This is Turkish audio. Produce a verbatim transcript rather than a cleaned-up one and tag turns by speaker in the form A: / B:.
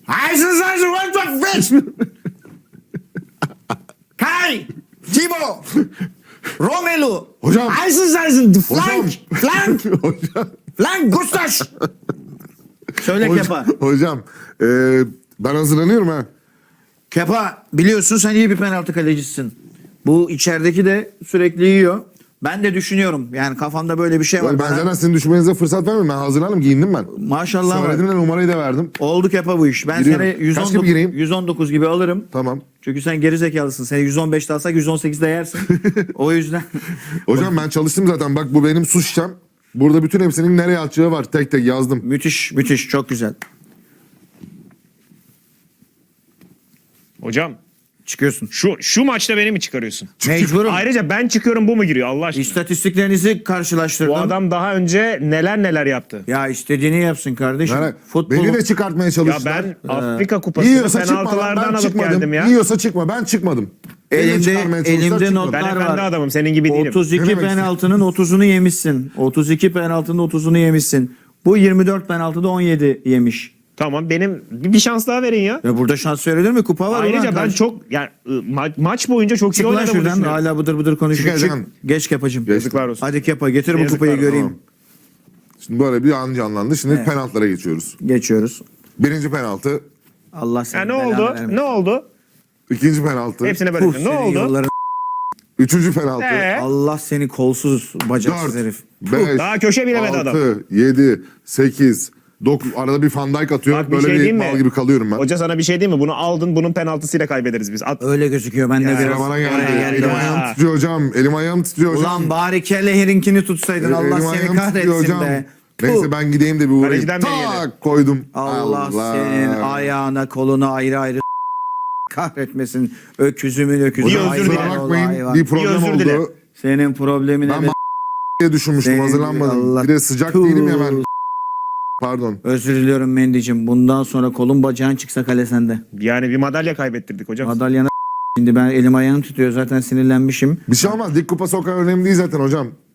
A: Heißen Seisen, what the fish? Kai, Timo, Romelu.
B: Hocam.
A: Heißen Seisen, flank,
B: Hocam.
A: flank,
B: Hocam.
A: flank, Gustaş. Söyle Kepa.
B: Hocam, hocam e, ben hazırlanıyorum ha.
A: Kepa, biliyorsun sen iyi bir penaltı kalecisisin. Bu içerideki de sürekli yiyor. Ben de düşünüyorum. Yani kafamda böyle bir şey var.
B: Ben
A: Bana-
B: zaten sizin düşünmenize fırsat vermiyorum. Ben hazırlandım, giyindim ben.
A: Maşallah var.
B: Söyledim de numarayı da verdim.
A: Oldu Kepa bu iş. Ben
B: Giriyorum.
A: seni
B: Kaç
A: yüz on dokuz,
B: gibi gireyim?
A: yüz on dokuz gibi alırım.
B: Tamam.
A: Çünkü sen geri zekalısın. Seni yüz on beşte alsak yüz on sekizde yersin. O yüzden.
B: Hocam ben çalıştım zaten. Bak bu benim su şişem. Burada bütün hepsinin nereye atacağı var. Tek tek yazdım.
A: Müthiş, müthiş. Çok güzel.
C: Hocam
A: Çıkıyorsun.
C: şu şu maçta beni mi çıkarıyorsun?
A: Mecburum.
C: Ayrıca ben çıkıyorum bu mu giriyor Allah aşkına?
A: İstatistiklerinizi karşılaştırdım.
C: Bu adam daha önce neler neler yaptı.
A: Ya istediğini yapsın kardeşim.
B: Yani
A: Futbol.
B: beni de çıkartmaya
C: Ya
B: çalıştılar.
C: ben Afrika Kupası'nı
B: Yiyorsa çıkma lan,
C: penaltılardan
B: ben
C: alıp
B: çıkmadım.
C: geldim ya.
B: Yiyorsa çıkma, ben çıkmadım. Beni de
A: Elimde-
B: çıkarmaya çalıştılar,
A: elimde
B: çıkmadım.
A: notlar
C: Ben
A: var.
C: efendi adamım senin gibi değilim.
A: otuz
B: Ne
A: iki
B: demek
A: penaltının otuzunu yemişsin. otuz iki penaltının otuzunu yemişsin. Bu yirmi dört penaltıda on yedi yemiş.
C: Tamam benim bir bir şans daha verin ya.
A: Ya burada şans verilir mi? Kupa var.
C: Ayrıca
A: ulan
C: ben
A: karşı-
C: çok yani ı, ma- maç boyunca çok iyi
A: Çık lan
C: oynadığımı
A: şuradan.
C: düşünüyorum.
A: Hala bıdır bıdır konuşuyor. Çık.
B: Çıkacaksın.
A: Geç Kepacığım.
B: Geç.
C: Yazıklar olsun.
A: Hadi Kepa getir bu
C: Yazıklar
A: kupayı
C: olsun.
A: göreyim.
B: Tamam. Şimdi böyle bir an canlandı. Şimdi
A: Evet.
B: penaltılara geçiyoruz.
A: Geçiyoruz.
B: Birinci penaltı.
A: Allah seni
C: Ya ne
A: belanı
C: oldu?
A: vermesin.
C: Ne oldu?
B: İkinci penaltı.
C: Hepsine
A: Puh,
C: böyle. Ne
A: senin
C: oldu?
A: yolların-
B: Üçüncü penaltı.
C: Ee?
A: Allah seni kolsuz bacaksız
B: Dört.
A: herif.
B: Beş.
C: Daha köşe bilemedi adam.
B: Altı. Yedi. Sekiz. Dokuz. Arada bir Van Dijk atıyor.
C: Bak bir
B: böyle
C: şey
B: bir
C: diyeyim
B: mal
C: mi?
B: gibi kalıyorum ben.
C: Hoca sana bir şey diyeyim mi? Bunu aldın bunun penaltısıyla kaybederiz biz. At.
A: Öyle gözüküyor. Ben de
C: Ya,
A: biraz
B: Sıra bana geldi.
A: oraya
C: Ya.
B: Elim ayağım titriyor hocam. Elim ayağım titriyor hocam.
A: Ulan bari Kelleher'inkini tutsaydın. Allah
B: Elim
A: seni
B: ayağım titriyor
A: kahretsin be.
B: Neyse
A: Puh.
B: ben gideyim de bir uğrayayım.
C: Kaleciden beri yedi.
B: Tak koydum.
A: Allah, senin ayağına koluna ayrı ayrı kahretmesin. Öküzümün öküzü.
C: Bir özür
A: hayvan
C: dile.
B: Kusura
A: ol,
B: bakmayın
A: hayvan.
B: bir problem
C: Bir özür dile.
B: oldu.
A: Senin problemine
B: Ben
A: de
B: diye düşünmüştüm
A: Senin-
B: hazırlanmadım.
A: Allah-
B: Bir de sıcak
A: Tuh.
B: değilim ya ben. Pardon.
A: özür diliyorum Mendy'cim. Bundan sonra kolun bacağın çıksa kale sende.
C: Yani bir madalya kaybettirdik hocam.
A: Madalyana şimdi ben elim ayağım tutuyor zaten sinirlenmişim.
B: Bir şey olmaz. Lig kupası o kadar önemli değil zaten hocam.